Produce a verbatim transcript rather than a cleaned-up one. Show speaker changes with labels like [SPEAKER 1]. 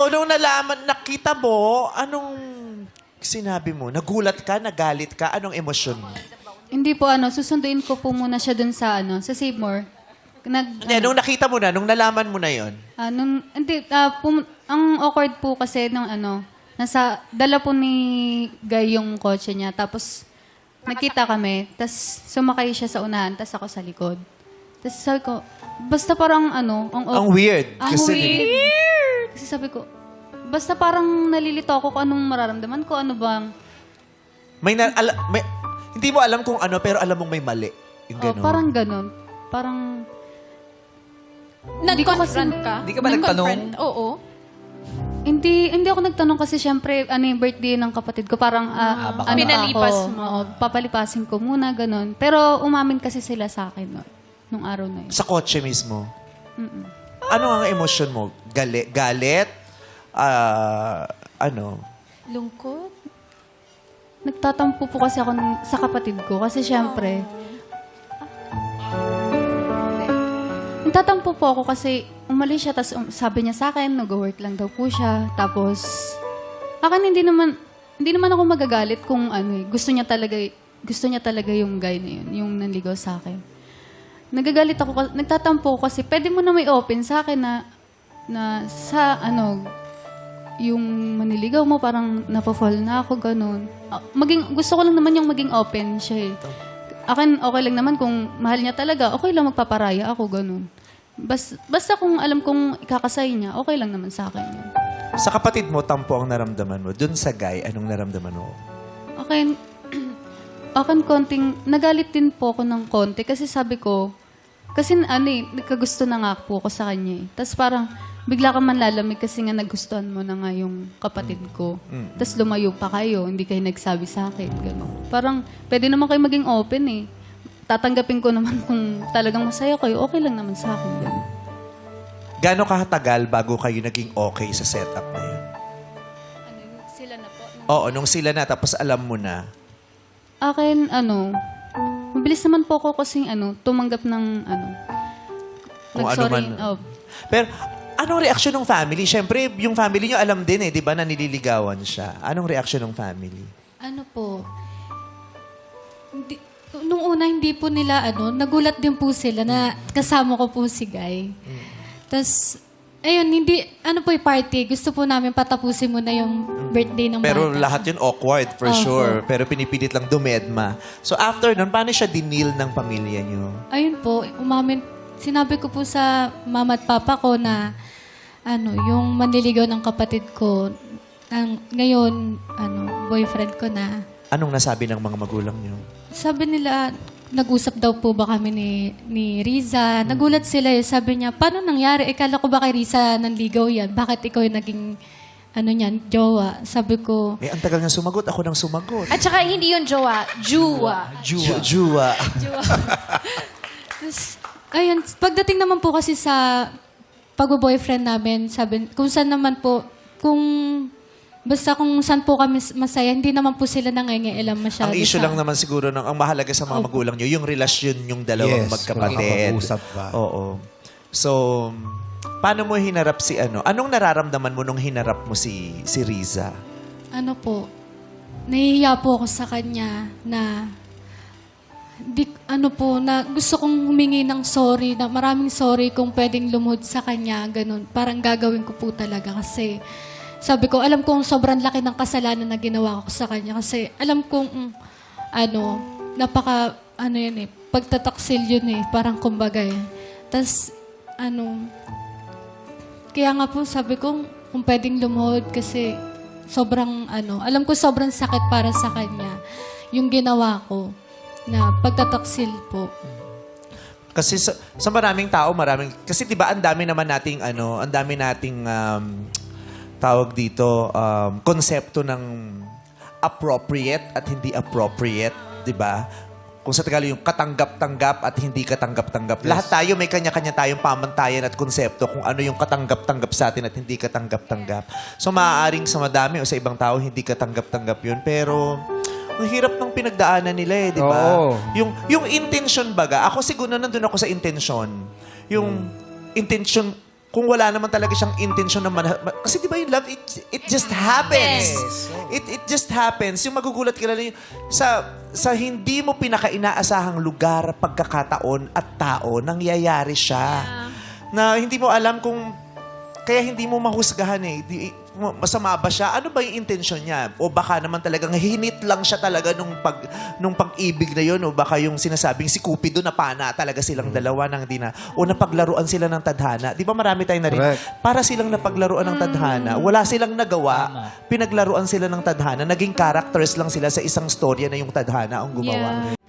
[SPEAKER 1] So, nung nalaman, nakita mo, anong sinabi mo? Nagulat ka? Nagalit ka? Anong emosyon mo?
[SPEAKER 2] Hindi po ano, susunduin ko po muna siya dun sa ano, sa Save More. Nag,
[SPEAKER 1] Hindi, nung nakita mo na, nung nalaman mo na yon.
[SPEAKER 2] Ah, nung, hindi, ah, pum- ang awkward po kasi nung ano, nasa, dala po ni Guy yung kotse niya, tapos nakita kami, tapos sumakay siya sa unahan, tapos ako sa likod. Tapos sabi ko, basta parang ano, ang,
[SPEAKER 1] Ang weird.
[SPEAKER 2] Ang
[SPEAKER 1] kasi
[SPEAKER 2] weird. Kasi sabi ko, basta parang nalilito ako kung anong mararamdaman ko, ano bang,
[SPEAKER 1] May, na, ala, may hindi mo alam kung ano, pero alam mong may mali. Yung
[SPEAKER 2] oh,
[SPEAKER 1] ganun.
[SPEAKER 2] parang ganun. Parang,
[SPEAKER 3] Nag-confront ka?
[SPEAKER 4] Hindi ka ba nagtanong?
[SPEAKER 3] Nag-confront? Oo.
[SPEAKER 2] Hindi hindi ako nagtanong kasi syempre ano yung birthday ng kapatid ko parang ah,
[SPEAKER 4] Ah, baka
[SPEAKER 2] ano
[SPEAKER 3] Pinalipas
[SPEAKER 2] ako,
[SPEAKER 3] mo.
[SPEAKER 2] oo, papalipasin ko muna ganun. Pero umamin kasi sila sa akin no, nung araw na yun.
[SPEAKER 1] Sa kotse mismo. Ano ang emosyon mo? Gali, galit? Ah, ano?
[SPEAKER 3] Lungkot?
[SPEAKER 2] Nagtatampo po kasi ako ng- sa kapatid ko kasi syempre Nagtatampo po ako kasi umalis siya tapos um, sabi niya sa akin nag-work lang daw po siya. Tapos akin hindi naman hindi naman ako magagalit kung ano eh, gusto niya talaga gusto niya talaga yung guy na yun, yung nanligaw sa akin. Nagagalit ako, kas- nagtatampo ako kasi pwede mo na may open sa akin na, na sa ano, yung maniligaw mo, parang napafall na ako, ganun. Ah, Maging, gusto ko lang naman yung maging open siya eh. Akin, okay lang naman kung mahal niya talaga, okay lang magpaparaya ako, ganun. Bas, basta kung alam kong ikakasay niya, okay lang naman sa akin yun.
[SPEAKER 1] Sa kapatid mo, tampo ang naramdaman mo. Dun sa guy, anong naramdaman mo?
[SPEAKER 2] Akin, akin konting, nagalit din po ako ng konti kasi sabi ko, kasi ano eh, nagkagusto na nga po ako sa kanya eh. Tapos parang, bigla ka man lalamig kasi nga nagustuhan mo na nga yung kapatid ko. Tapos lumayo pa kayo, hindi kayo nagsabi sa akin. Gano'n. Parang, pwede naman kayo maging open eh. Tatanggapin ko naman kung talagang masaya kayo, okay lang naman sa akin. Gano'n.
[SPEAKER 1] Gano'ng kahatagal bago kayo naging okay sa setup na yun?
[SPEAKER 2] Ano, sila na po?
[SPEAKER 1] Oo, nung sila na, tapos alam mo na.
[SPEAKER 2] Akin, ano, mabilis naman po ako kasing ano, tumanggap ng ano,
[SPEAKER 1] Kung ano
[SPEAKER 2] nag-sorry.
[SPEAKER 1] man.
[SPEAKER 2] Oh,
[SPEAKER 1] Pero, anong reaksyon ng family? Siyempre, yung family nyo alam din eh, di ba, na nililigawan siya. Anong reaksyon ng family?
[SPEAKER 5] Ano po, hindi, nung una hindi po nila, ano, nagulat din po sila na kasama ko po si Guy. Tapos, ayun, hindi, ano po yung party, gusto po namin patapusin muna yung birthday ng
[SPEAKER 1] Pero
[SPEAKER 5] bata.
[SPEAKER 1] lahat yun awkward, for
[SPEAKER 5] Opo.
[SPEAKER 1] sure. Pero pinipilit lang dumedma. So after nun, paano siya dinil ng pamilya nyo?
[SPEAKER 5] Ayun po, umamin, sinabi ko po sa mama at papa ko na, ano, yung manliligaw ng kapatid ko, ang, ngayon, ano, boyfriend ko na.
[SPEAKER 1] Anong nasabi ng mga magulang nyo?
[SPEAKER 5] Sabi nila, nag-usap daw po ba kami ni, ni Riza. Nagulat sila eh. Sabi niya, paano nangyari? Ikala ko ba kay Riza nanligaw yan? Bakit ikaw yung naging, ano niyan, jowa? Sabi ko,
[SPEAKER 1] Eh, ang tagal nga sumagot. Ako nang sumagot.
[SPEAKER 3] At saka hindi yun jowa, juwa.
[SPEAKER 1] Jua. Jua.
[SPEAKER 5] Tapos, ayun, pagdating naman po kasi sa pag-boyfriend namin, sabi, kung saan naman po, kung, basta kung saan po kami masaya, hindi naman po sila nangyayalam masyado.
[SPEAKER 1] Ang issue
[SPEAKER 5] sa-
[SPEAKER 1] lang naman siguro, ng, ang mahalaga sa mga magulang nyo, yung relasyon yung dalawang
[SPEAKER 6] Yes,
[SPEAKER 1] magkapatid.
[SPEAKER 6] kung makakausap ba.
[SPEAKER 1] Oo. So, paano mo hinarap si ano? Anong nararamdaman mo nung hinarap mo si si Riza?
[SPEAKER 5] Ano po, nahihiya po ako sa kanya na di, ano po, na gusto kong humingi ng sorry, na maraming sorry kung pwedeng lumuhod sa kanya, ganun. Parang gagawin ko po talaga kasi sabi ko, alam kong sobrang laki ng kasalanan na ginawa ko sa kanya kasi alam kong, mm, ano, napaka, ano yun eh, pagtataksil yun eh, parang kumbaga eh. Tapos, ano, kaya nga po sabi ko, kung pwedeng lumuhod kasi sobrang, ano, alam ko sobrang sakit para sa kanya yung ginawa ko na pagtataksil po.
[SPEAKER 1] Kasi sa, sa maraming tao, maraming... Kasi di ba ang dami naman nating, ano, ang dami nating um, tawag dito, um, konsepto ng appropriate at hindi appropriate, di ba? Kung sa Tagalog yung katanggap-tanggap at hindi katanggap-tanggap. Lahat tayo may kanya-kanya tayong pamantayan at konsepto kung ano yung katanggap-tanggap sa atin at hindi katanggap-tanggap. So maaaring sa madami o sa ibang tao hindi katanggap-tanggap yun. Pero ang hirap ng pinagdaanan nila eh, di ba?
[SPEAKER 6] Oo.
[SPEAKER 1] Yung, yung intention baga, ako siguro nandun ako sa intention. Yung intention kung wala naman talaga siyang intention na mana- ma- kasi di ba yung love, it, it just happens. It, it just happens. Yung magugulat ka lang yung, sa, sa hindi mo pinaka-inaasahang lugar, pagkakataon at tao, nangyayari siya. Na hindi mo alam kung, kaya hindi mo mahusgahan eh. Di, masama ba siya? Ano ba yung intention niya? O baka naman talagang hinit lang siya talaga nung, pag, nung pag-ibig na yun. O baka yung sinasabing si Cupido na pana talaga silang dalawa nang di na. O napaglaruan sila ng tadhana. Di ba marami tayong narinig?
[SPEAKER 4] Correct.
[SPEAKER 1] Para silang napaglaruan ng tadhana. Wala silang nagawa. Pinaglaruan sila ng tadhana. Naging characters lang sila sa isang storya na yung tadhana ang gumawa.
[SPEAKER 3] Yeah.